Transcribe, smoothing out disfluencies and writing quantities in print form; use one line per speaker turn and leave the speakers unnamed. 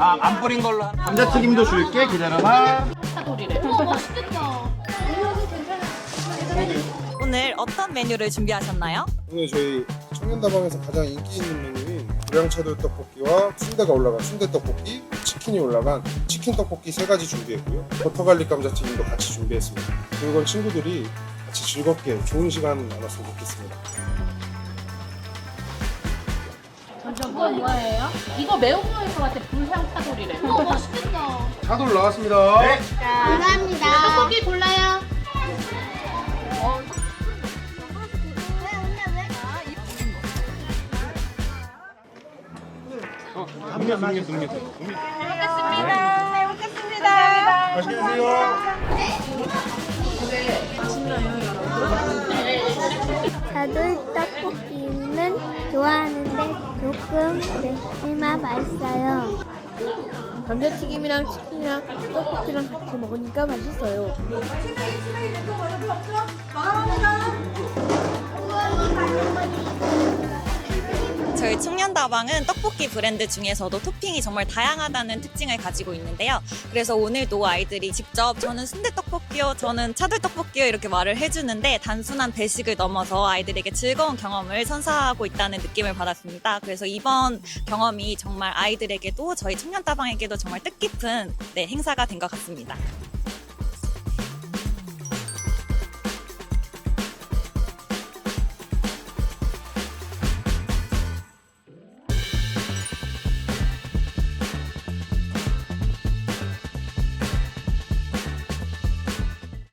안 뿌린 걸로. 감자튀김도 줄게. 기다려봐.
우와, 맛있겠다.
오늘 어떤 메뉴를 준비하셨나요?
오늘 저희 청년다방에서 가장 인기 있는 메뉴인 불량차돌 떡볶이와 순대가 올라간 순대 떡볶이, 치킨이 올라간 치킨 떡볶이 3가지 준비했고요. 버터갈릭 감자튀김도 같이 준비했습니다. 그리고 친구들이 같이 즐겁게 좋은 시간 나눴으면 좋겠습니다.
이거 뭐예요? 이거 매운 거일 것 같아. 불향 차돌이래. 우와, 맛있겠다.
차돌 나왔습니다. 네.
감사합니다. 떡볶이 골라요.
맛있게 드세요.
차돌 떡볶이는 좋아하는데 조금 맵지만 맛있어요. 감자튀김이랑 치킨이랑 떡볶이랑 같이 먹으니까 맛있어요.
저희 청년다방은 떡볶이 브랜드 중에서도 토핑이 정말 다양하다는 특징을 가지고 있는데요. 그래서 오늘도 아이들이 직접 저는 순대떡볶이요, 저는 차돌떡볶이요 이렇게 말을 해주는데 단순한 배식을 넘어서 아이들에게 즐거운 경험을 선사하고 있다는 느낌을 받았습니다. 그래서 이번 경험이 정말 아이들에게도 저희 청년다방에게도 정말 뜻깊은 행사가 된 것 같습니다.